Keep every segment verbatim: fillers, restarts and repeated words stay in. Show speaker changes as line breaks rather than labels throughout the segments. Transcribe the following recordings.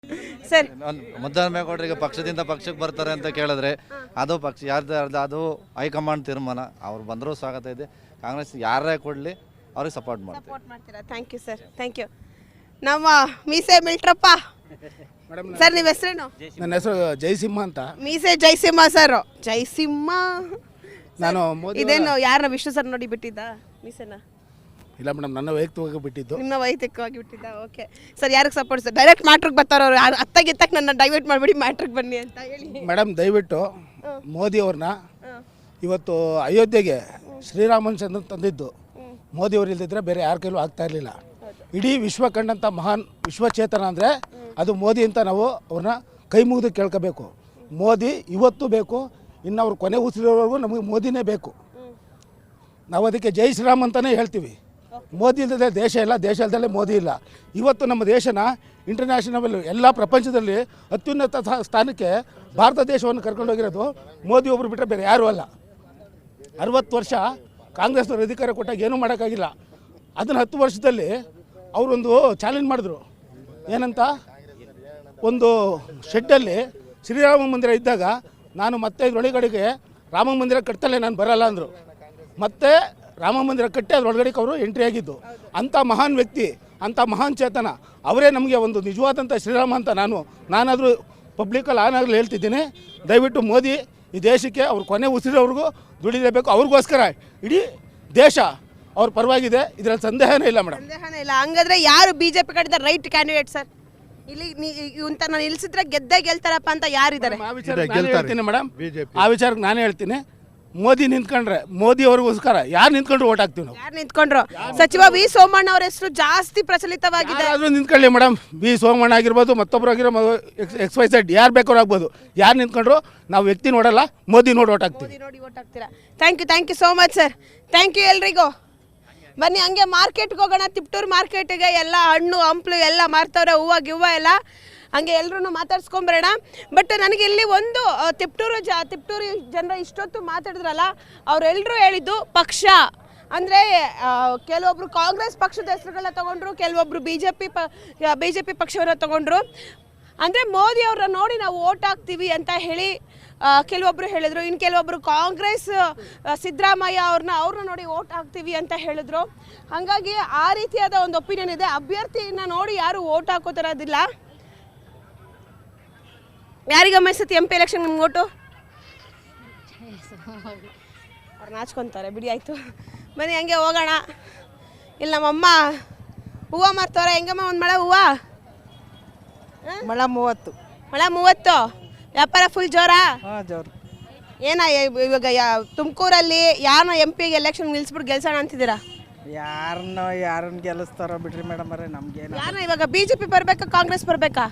Sir
ಮುದ್ದಹನುಮೇಗೌಡರಿಗೆ ಪಕ್ಷದಿಂದ ಪಕ್ಷಕ್ಕೆ ಬರ್ತಾರೆ ಅಂತ ಕೇಳಿದ್ರೆ ಅದು ಪಕ್ಷ ಯಾರ್ದು ಅದು ಹೈಕಮಾಂಡ್ ತೀರ್ಮಾನ. ಅವ್ರು ಬಂದರೂ ಸ್ವಾಗತ ಇದೆ. ಕಾಂಗ್ರೆಸ್ ಯಾರೇ ಕೊಡಲಿ ಅವ್ರಿಗೆ ಸಪೋರ್ಟ್ ಮಾಡ್ತೀವಿ.
ಸಪೋರ್ಟ್ ಮಾಡ್ತೀರಾ? Thank you sir, thank you. ನಮ್ಮ ಮೀಸೆ ಮಿಲ್ಟ್ರಪ್ಪ ಸರ್, ನಿಮ್ಮ ಹೆಸರೇನು?
ನನ್ನ ಹೆಸರು ಜಯಸಿಂಹ ಅಂತ.
ಮೀಸೆ ಜಯಸಿಂಹ ಸರ್. ಜಯಸಿಂಹ
ನಾನು ಮೋದಿ
ಇದೇನು ಯಾರನ್ನ ವಿಷ್ಣು ಸರ್ ನೋಡಿ ಬಿಟ್ಟಿದ್ದ ಮೀಸೆನ?
ಇಲ್ಲ ಮೇಡಮ್, ನನ್ನ ವೈಯಕ್ತಿಕವಾಗಿ ಬಿಟ್ಟಿದ್ದು.
ನಿಮ್ಮ ವೈಯಕ್ತಿಕವಾಗಿ ಬಿಟ್ಟಿದ್ದ. ಓಕೆ ಸರ್, ಯಾರಿಗೆ ಸಪೋರ್ಟ್ ಸರ್? ಡೈರೆಕ್ಟ್ ಮ್ಯಾಟ್ರಿಗೆ ಬರ್ತಾರ ಅವ್ರು. ಅತ್ತಾಗಿತ್ತಕ್ಕೆ ನನ್ನ ಡೈವರ್ಟ್ ಮಾಡಿಬಿಡಿ, ಮ್ಯಾಟ್ರಿಗೆ ಬನ್ನಿ ಅಂತ ಹೇಳಿ.
ಮೇಡಮ್ ದಯವಿಟ್ಟು ಮೋದಿ ಅವ್ರನ್ನ ಇವತ್ತು ಅಯೋಧ್ಯೆಗೆ ಶ್ರೀರಾಮಚಂದ್ರ ತಂದಿದ್ದು ಮೋದಿ ಅವರು ಇಲ್ದಿದ್ರೆ ಬೇರೆ ಯಾರ ಕೈಲೂ ಆಗ್ತಾ ಇರಲಿಲ್ಲ. ಇಡೀ ವಿಶ್ವ ಕಂಡಂಥ ಮಹಾನ್ ವಿಶ್ವಚೇತನ ಅಂದರೆ ಅದು ಮೋದಿ ಅಂತ ನಾವು ಅವ್ರನ್ನ ಕೈ ಮುಗಿದು ಕೇಳ್ಕೋಬೇಕು. ಮೋದಿ ಇವತ್ತು ಬೇಕು, ಇನ್ನು ಅವ್ರು ಕೊನೆ ಉಸಿರೋವರೆಗೂ ನಮಗೆ ಮೋದಿನೇ ಬೇಕು. ನಾವು ಅದಕ್ಕೆ ಜೈ ಶ್ರೀರಾಮ್ ಅಂತಲೇ ಹೇಳ್ತೀವಿ. ಮೋದಿ ಇಲ್ಲದೆ ದೇಶ ಇಲ್ಲ, ದೇಶ ಇಲ್ಲದಲ್ಲೇ ಮೋದಿ ಇಲ್ಲ. ಇವತ್ತು ನಮ್ಮ ದೇಶನ ಇಂಟರ್ನ್ಯಾಷನಲ್ ಎಲ್ಲ ಪ್ರಪಂಚದಲ್ಲಿ ಅತ್ಯುನ್ನತ ಸ್ಥಾನಕ್ಕೆ ಭಾರತ ದೇಶವನ್ನು ಕರ್ಕೊಂಡೋಗಿರೋದು ಮೋದಿ ಒಬ್ಬರು ಬಿಟ್ಟರೆ ಬೇರೆ ಯಾರೂ ಅಲ್ಲ. ಅರವತ್ತು ವರ್ಷ ಕಾಂಗ್ರೆಸ್ನವ್ರು ಅಧಿಕಾರ ಕೊಟ್ಟಾಗ ಏನೂ ಮಾಡೋಕ್ಕಾಗಿಲ್ಲ. ಅದನ್ನು ಹತ್ತು ವರ್ಷದಲ್ಲಿ ಅವರೊಂದು ಚಾಲೆಂಜ್ ಮಾಡಿದ್ರು. ಏನಂತ, ಒಂದು ಶೆಡ್ಡಲ್ಲಿ ಶ್ರೀರಾಮ ಮಂದಿರ ಇದ್ದಾಗ ನಾನು ಮತ್ತೆ ಇದರೊಳಗಡೆಗೆ ರಾಮ ಮಂದಿರ ಕಟ್ತಲೇ ನಾನು ಬರಲ್ಲ ಅಂದರು. ಮತ್ತೆ ರಾಮ ಮಂದಿರ ಕಟ್ಟಿ ಅದರೊಳಗಡೆಗೆ ಅವರು ಎಂಟ್ರಿ ಆಗಿದ್ದು. ಅಂಥ ಮಹಾನ್ ವ್ಯಕ್ತಿ, ಅಂಥ ಮಹಾನ್ ಚೇತನ ಅವರೇ ನಮಗೆ ಒಂದು ನಿಜವಾದಂಥ ಶ್ರೀರಾಮ ಅಂತ ನಾನು ನಾನಾದರೂ ಪಬ್ಲಿಕಲ್ಲಿ ಆನಾಗಲೂ ಹೇಳ್ತಿದ್ದೀನಿ. ದಯವಿಟ್ಟು ಮೋದಿ ಈ ದೇಶಕ್ಕೆ ಅವ್ರ ಕೊನೆ ಉಸಿರೋವ್ರಿಗೂ ದುಡಿಲೇಬೇಕು. ಅವ್ರಿಗೋಸ್ಕರ ಇಡೀ ದೇಶ ಅವ್ರ ಪರವಾಗಿದೆ, ಇದರಲ್ಲಿ ಸಂದೇಹನೇ ಇಲ್ಲ ಮೇಡಮ್,
ಸಂದೇಹನೇ ಇಲ್ಲ. ಹಂಗಾದ್ರೆ ಯಾರು ಬಿಜೆಪಿ ಕಡೆದ ರೈಟ್ ಕ್ಯಾಂಡಿಡೇಟ್ ಸರ್? ಇಲ್ಲಿ ಇಂತ ನಾನು ನಿಲ್ಸಿದ್ರೆ ಗೆದ್ದೇ ಗೆಲ್ತಾರಪ್ಪ ಅಂತ ಯಾರಿದ್ದಾರೆ?
ಆ ವಿಚಾರಕ್ಕೆ ನಾನು ಹೇಳ್ತೀನಿ ಮೇಡಮ್, ಆ ವಿಚಾರಕ್ಕೆ ನಾನೇ ಹೇಳ್ತೀನಿ. ಮೋದಿ ನಿಂತ್ಕೊಂಡ್ರೆ ಮೋದಿ ಅವ್ರಿಗೋಸ್ಕರ ಯಾರು ನಿಂತ್ಕೊಂಡ್ರು ಓಟ್ ಹಾಕ್ತೀವಿ ನಾವು.
ಯಾರು ನಿಂತ್ಕೊಂಡ್ರು? ಸಚಿವ ವಿ ಸೋಮಣ್ಣ ಅವರ ಹೆಸರು ಜಾಸ್ತಿ ಪ್ರಚಲಿತವಾಗಿದೆ.
ಯಾರಾದ್ರೂ ನಿಂತ್ಕೊಳ್ಳಿ ಮೇಡಮ್, ಬಿ ಸೋಮಣ್ಣ ಆಗಿರ್ಬೋದು, ಮತ್ತೊಬ್ಬರು ಆಗಿರ್ಬೋದು, ಎಕ್ಸ್ ವೈ ಝೆಡ್ ಯಾರು ಬೇಕಾದ್ರೂ ಆಗ್ಬೋದು. ಯಾರು ನಿಂತ್ಕೊಂಡ್ರು ನಾವು ವ್ಯಕ್ತಿ ನೋಡಲ್ಲ, ಮೋದಿ ನೋಡಿ ಓಟ್ ಹಾಕ್ತೀವಿ.
ನೋಡಿ ಓಟ್ ಹಾಕ್ತೀರಾ? Thank you, thank you so much sir. Thank you ಎಲ್ರಿಗೂ. ಬನ್ನಿ ಹಂಗೆ ಮಾರ್ಕೆಟ್ಗೆ ಹೋಗೋಣ. ತಿಪ್ಟೂರು ಮಾರ್ಕೆಟಿಗೆ ಎಲ್ಲ ಹಣ್ಣು ಹಂಪ್ಲು ಎಲ್ಲ ಮಾರ್ತವ್ರೆ, ಹೂವು ಗಿವ್ವ ಎಲ್ಲ. ಹಂಗೆ ಎಲ್ಲರೂ ಮಾತಾಡ್ಸ್ಕೊಂಬರೋಣ. ಬಟ್ ನನಗೆ ಇಲ್ಲಿ ಒಂದು ತಿಪ್ಟೂರು ಜ ತಿಪ್ಟೂರು ಜನರ ಇಷ್ಟೊತ್ತು ಮಾತಾಡಿದ್ರಲ್ಲ, ಅವರೆಲ್ಲರೂ ಹೇಳಿದ್ದು ಪಕ್ಷ ಅಂದರೆ ಕೆಲವೊಬ್ರು ಕಾಂಗ್ರೆಸ್ ಪಕ್ಷದ ಹೆಸರುಗಳನ್ನ ತೊಗೊಂಡ್ರು, ಕೆಲವೊಬ್ರು ಬಿ ಜೆ ಪಿ ಪ ಬಿ ಜೆ ಪಿ ಪಕ್ಷವನ್ನ ತೊಗೊಂಡ್ರು. ಅಂದರೆ ಮೋದಿ ಅವ್ರನ್ನ ನೋಡಿ ನಾವು ಓಟ್ ಹಾಕ್ತೀವಿ ಅಂತ ಹೇಳಿ ಕೆಲವೊಬ್ಬರು ಹೇಳಿದ್ರು. ಇನ್ನು ಕೆಲವೊಬ್ಬರು ಕಾಂಗ್ರೆಸ್ ಸಿದ್ದರಾಮಯ್ಯ ಅವ್ರನ್ನ ಅವ್ರನ್ನ ನೋಡಿ ಓಟ್ ಹಾಕ್ತೀವಿ ಅಂತ ಹೇಳಿದ್ರು. ಹಾಗಾಗಿ ಆ ರೀತಿಯಾದ ಒಂದು ಒಪಿನಿಯನ್ ಇದೆ. ಅಭ್ಯರ್ಥಿನ ನೋಡಿ ಯಾರು ಓಟ್ ಹಾಕೋತಿರೋದಿಲ್ಲ. ಯಾರಿಗಮ್ಮ ಸತಿ ಎಂ ಪಿ ಎಲೆಕ್ಷನ್ ನಿಮ್ಗೆ ಓಟು? ಅವ್ರು ನಾಚ್ಕೊತಾರೆ ಬಿಡಿ, ಆಯಿತು ಬನ್ನಿ ಹಂಗೆ ಹೋಗೋಣ. ಇಲ್ಲಿ ನಮ್ಮಮ್ಮ ಹೂವು ಮಾರ್ತವ್ರೆ. ಹೆಂಗಮ್ಮ ಒಂದು ಮಳೆ ಹೂವು?
ಮಳ ಮೂವತ್ತು.
ಮಳೆ ಮೂವತ್ತು. ವ್ಯಾಪಾರ ಫುಲ್ ಜೋರಾ?
ಹಾಂ ಜೋರು.
ಏನ ಇವಾಗ ತುಮಕೂರಲ್ಲಿ ಯಾರನ್ನ ಎಂ ಪಿಗೆ ಎಲೆಕ್ಷನ್ ನಿಲ್ಸ್ಬಿಟ್ಟು ಗೆಲ್ಸೋಣ ಅಂತಿದ್ದೀರಾ?
ಯಾರನ್ನ ಯಾರನ್ನ ಗೆಲ್ಲಿಸ್ತಾರೋ ಬಿಡ್ರಿ ಮೇಡಮ್ ಅವರೇ, ನಮ್ಗೇನು.
ಯಾರನ್ನ ಇವಾಗ ಬಿ ಜೆ ಪಿ ಬರಬೇಕಾ ಕಾಂಗ್ರೆಸ್ ಬರಬೇಕಾ?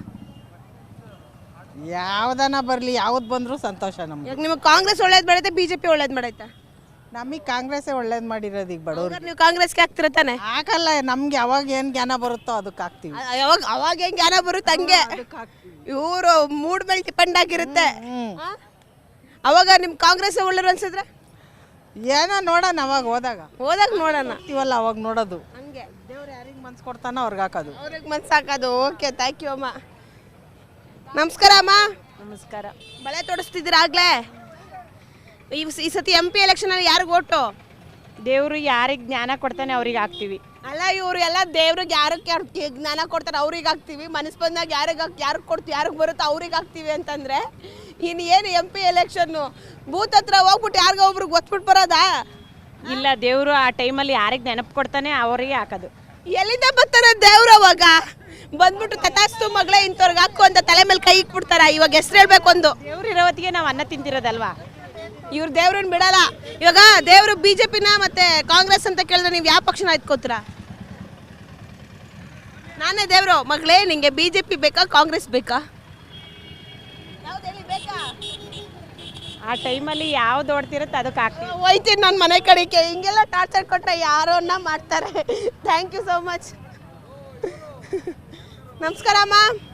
ಯಾವ್ದನ ಬರಲಿ, ಯಾವ್ದು ಬಂದರೂ ಸಂತೋಷ ನಮ್ಗೆ.
ಇವಾಗ ನಿಮಗೆ ಕಾಂಗ್ರೆಸ್ ಒಳ್ಳೇದು ಮಾಡೈತೆ, ಬಿ ಜೆ ಪಿ ಒಳ್ಳೇದು ಮಾಡೈತಾ?
ನಮಗೆ ಕಾಂಗ್ರೆಸ್ಸೇ ಒಳ್ಳೇದು ಮಾಡಿರೋದು. ಈಗ ಬಡವ್ರು
ನೀವು ಕಾಂಗ್ರೆಸ್ಗೆ ಹಾಕ್ತಿರ ತಾನೆ?
ಹಾಕಲ್ಲ, ನಮ್ಗೆ ಯಾವಾಗ ಏನು ಜ್ಞಾನ ಬರುತ್ತೋ ಅದಕ್ಕೆ ಹಾಕ್ತೀವಿ.
ಯಾವಾಗ ಅವಾಗ ಹೆಂಗೆ ಜ್ಞಾನ ಬರುತ್ತೆ ಹಂಗೆ. ಇವರು ಮೂಡ್ ಮೇಲೆ ಡಿಪೆಂಡ್ ಆಗಿರುತ್ತೆ. ಅವಾಗ ನಿಮ್ಮ ಕಾಂಗ್ರೆಸ್ ಒಳ್ಳೆಯರು ಅನ್ಸಿದ್ರೆ
ಏನೋ ನೋಡೋಣ, ಅವಾಗ ಹೋದಾಗ
ಹೋದಾಗ ನೋಡೋಣ
ಇವಲ್ಲ ಅವಾಗ ನೋಡೋದು.
ಹಂಗೆ
ದೇವ್ರು ಯಾರಿಗೆ ಮನ್ಸು ಕೊಡ್ತಾನೋ ಅವ್ರಿಗೆ ಹಾಕೋದು.
ಅವ್ರಿಗೆ ಮನ್ಸು ಹಾಕೋದು. ಓಕೆ, ಥ್ಯಾಂಕ್ ಯು ಅಮ್ಮ. ನಮಸ್ಕಾರ ಅಮ್ಮ.
ನಮಸ್ಕಾರ.
ಬಳೆ ತೊಡಸ್ತಿದ್ದೀರಾ ಆಗ್ಲೇ? ಈ ಈ ಸತಿ ಎಂ ಪಿ ಎಲೆಕ್ಷನಲ್ಲಿ ಯಾರಿಗೆ ಓಟು?
ದೇವರು ಯಾರಿಗೆ ಜ್ಞಾನ ಕೊಡ್ತಾನೆ ಅವ್ರಿಗೆ ಹಾಕ್ತೀವಿ.
ಅಲ್ಲ, ಇವರು ಎಲ್ಲ ದೇವ್ರಿಗೆ ಯಾರಕ್ಕೆ ಯಾರು ಜ್ಞಾನ ಕೊಡ್ತಾರೆ ಅವ್ರಿಗೆ ಹಾಕ್ತೀವಿ, ಮನಸ್ಸು ಬಂದಾಗ ಯಾರಿಗೆ ಹಾಕಿ ಯಾರಿಗೆ ಕೊಡ್ತೀವಿ ಯಾರಿಗೆ ಬರುತ್ತೋ ಅವ್ರಿಗೆ ಹಾಕ್ತೀವಿ ಅಂತಂದರೆ ಇನ್ನು ಏನು ಎಂ ಪಿ ಎಲೆಕ್ಷನ್ನು? ಬೂತ್ ಹತ್ರ ಹೋಗ್ಬಿಟ್ಟು ಯಾರಿಗ ಒಬ್ರಿಗೆ ಒತ್ಬಿಟ್ಟು ಬರೋದಾ?
ಇಲ್ಲ, ದೇವರು ಆ ಟೈಮಲ್ಲಿ ಯಾರಿಗೆ ನೆನಪು ಕೊಡ್ತಾನೆ ಅವರಿಗೆ ಹಾಕೋದು.
ಎಲ್ಲಿಂದ ಬರ್ತಾರೆ ದೇವ್ರು? ಅವಾಗ ಬಂದ್ಬಿಟ್ಟು ತಥಾಸ್ತು ಮಗಳೇ ಇಂಥವ್ರಿಗೆ ಹಾಕು ಅಂತ ತಲೆ ಮೇಲೆ ಕೈ ಇಟ್ಬಿಡ್ತಾರ. ಇವಾಗ ಹೆಸ್ರು ಹೇಳ್ಬೇಕು ಒಂದು.
ದೇವ್ರು ಇರೋವತ್ತಿಗೆ ನಾವು ಅನ್ನ ತಿಂತಿರೋದಲ್ವಾ.
ಇವ್ರು ದೇವ್ರನ್ನ ಬಿಡಲ್ಲ. ಇವಾಗ ದೇವರು ಬಿ ಜೆ ಪಿನ ಮತ್ತೆ ಕಾಂಗ್ರೆಸ್ ಅಂತ ಕೇಳಿದ್ರೆ ನೀವು ಯಾವ ಪಕ್ಷನ ಎತ್ಕೋತೀರಾ? ನಾನೇ ದೇವರು ಮಗಳೇ, ನಿಂಗೆ ಬಿ ಜೆ ಪಿ ಬೇಕಾ ಕಾಂಗ್ರೆಸ್ ಬೇಕಾ? ಯಾವ್ದು ಹೇಳಿ, ಬೇಕಾ?
ಆ ಟೈಮಲ್ಲಿ ಯಾವ್ದು ಓಡ್ತಿರುತ್ತೆ ಅದಕ್ಕೆ ಹಾಕ್ತೀವಿ.
ಹೋಯ್ತೀನಿ ನನ್ನ ಮನೆ ಕಡೆಗೆ. ಹಿಂಗೆಲ್ಲ ಟಾರ್ಚರ್ ಕೊಟ್ಟರೆ ಯಾರನ್ನ ಮಾಡ್ತಾರೆ. Thank you so much. ನಮಸ್ಕಾರ ಅಮ್ಮ,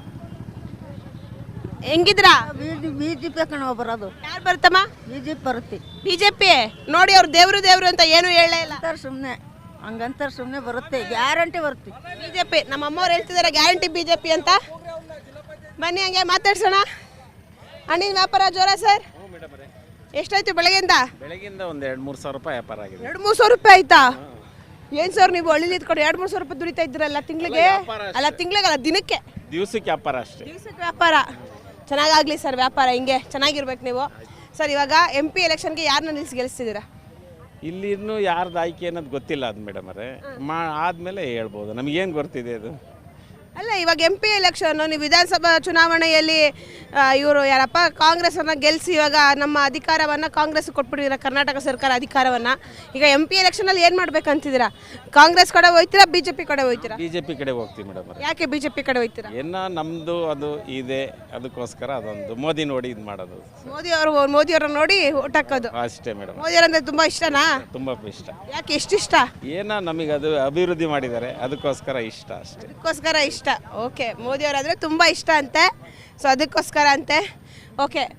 ಹೆಂಗಿದ್ರಾ?
ಬಿ ಜೆ ಪಿ ಕಣ ಬರೋದು.
ಯಾರು ಬರ್ತಮ್ಮ?
ಬಿ ಜೆ ಪಿ ಬರುತ್ತೆ.
ಬಿ ಜೆ ಪಿ ನೋಡಿ, ಅವ್ರು ದೇವ್ರು ದೇವ್ರು ಅಂತ ಏನು ಹೇಳೇ ಇಲ್ಲ.
ಸುಮ್ಮನೆ ಹಂಗಂತಾರೆ, ಸುಮ್ಮನೆ ಬರುತ್ತೆ, ಗ್ಯಾರಂಟಿ ಬರುತ್ತೆ
ಬಿಜೆಪಿ. ನಮ್ಮ ಅಮ್ಮವ್ರು ಹೇಳ್ತಿದ್ದಾರೆ ಗ್ಯಾರಂಟಿ ಬಿಜೆಪಿ ಅಂತ. ಬನ್ನಿ ಹಂಗೆ ಮಾತಾಡ್ಸೋಣ. ಹಣ್ಣಿನ ವ್ಯಾಪಾರ ಜೋರ ಸರ್? ಎಷ್ಟಾಯ್ತು ಬೆಳಗ್ಗೆಯಿಂದ?
ಬೆಳಗಿಂದ ಒಂದು ಎರಡು ಮೂರು ಸಾವಿರ ರೂಪಾಯಿ ವ್ಯಾಪಾರ ಆಗಿದೆ.
ಎರಡು ಮೂರು ಸಾವಿರ ರೂಪಾಯಿ ಆಯ್ತಾ? ಏನು ಸರ್ ನೀವು ಹಳ್ಳಿಲಿ ಇದ್ಕೊಂಡು ಎರಡು ಮೂರು ಸಾವಿರ ರೂಪಾಯಿ ದುಡಿತಾ ಇದ್ದೀರಲ್ಲ ತಿಂಗಳಿಗೆ? ಅಲ್ಲ ತಿಂಗಳಿಗಲ್ಲ, ದಿನಕ್ಕೆ.
ದಿವಸಕ್ಕೆ ವ್ಯಾಪಾರ ಅಷ್ಟೇ.
ದಿವಸಕ್ಕೆ ವ್ಯಾಪಾರ ಚೆನ್ನಾಗಾಗಲಿ ಸರ್, ವ್ಯಾಪಾರ ಹಿಂಗೆ ಚೆನ್ನಾಗಿರ್ಬೇಕು ನೀವು. ಸರ್ ಇವಾಗ ಎಂ ಪಿ ಎಲೆಕ್ಷನ್ಗೆ ಯಾರನ್ನ ನಿಲ್ಲಿಸಿ ಗೆಲ್ಲಿಸ್ತಿದ್ದೀರಾ?
ಇಲ್ಲಿ ಇನ್ನೂ ಯಾರ್ದು ಆಯ್ಕೆ ಅನ್ನೋದು ಗೊತ್ತಿಲ್ಲ ಅದು ಮೇಡಮ್ ಅವರೇ. ಮಾ ಆದಮೇಲೆ ಹೇಳ್ಬೋದು, ನಮಗೇನು ಗೊತ್ತಿದೆ ಅದು.
ಅಲ್ಲ ಇವಾಗ ಎಂ ಪಿ ಎಲೆಕ್ಷನ್, ನೀವು ವಿಧಾನಸಭಾ ಚುನಾವಣೆಯಲ್ಲಿ ಇವರು ಯಾರಪ್ಪ ಕಾಂಗ್ರೆಸ್ಸನ್ನು ಗೆಲ್ಲಿಸಿ ಇವಾಗ ನಮ್ಮ ಅಧಿಕಾರವನ್ನು ಕಾಂಗ್ರೆಸ್ ಕೊಟ್ಬಿಟ್ಟಿದ್ದೀರಾ, ಕರ್ನಾಟಕ ಸರ್ಕಾರ ಅಧಿಕಾರವನ್ನು. ಈಗ ಎಂ ಪಿ ಎಲೆಕ್ಷನಲ್ಲಿ ಏನು ಮಾಡ್ಬೇಕಂತಿದ್ದೀರಾ? ಕಾಂಗ್ರೆಸ್ ಕಡೆ ಹೋಗ್ತೀರಾ, ಬಿ ಜೆ ಪಿ ಕಡೆ ಹೋಗ್ತೀರಾ?
ಬಿ ಜೆ ಪಿ ಕಡೆ ಹೋಗ್ತೀವಿ ಮೇಡಮ್ ಅವರೇ.
ಯಾಕೆ ಬಿ ಜೆ ಪಿ ಕಡೆ ಹೋಗ್ತೀರಾ?
ಏನೋ ನಮ್ಮದು ಅದು ಇದೆ, ಅದಕ್ಕೋಸ್ಕರ ಅದೊಂದು ಮೋದಿ ನೋಡಿ ಇದು ಮಾಡೋದು
ಮೋದಿ ಅವರು ಮೋದಿ ಅವ್ರನ್ನ ನೋಡಿ ಓಟ್ ಹಾಕೋದು
ಅಷ್ಟೇ ಮೇಡಮ್.
ಮೋದಿ ಅವರಂದ್ರೆ ತುಂಬ ಇಷ್ಟನಾ?
ತುಂಬ ಇಷ್ಟ.
ಯಾಕೆ ಎಷ್ಟು ಇಷ್ಟ?
ಏನೋ ನಮಗೆ ಅದು ಅಭಿವೃದ್ಧಿ ಮಾಡಿದ್ದಾರೆ, ಅದಕ್ಕೋಸ್ಕರ ಇಷ್ಟ ಅಷ್ಟೇ.
ಅದಕ್ಕೋಸ್ಕರ ಇಷ್ಟ. ಓಕೆ, ಮೋದಿ ಅವರಾದರೆ ತುಂಬ ಇಷ್ಟ ಅಂತೆ, ಸೊ ಅದಕ್ಕೋಸ್ಕರ ಅಂತೆ. ಓಕೆ.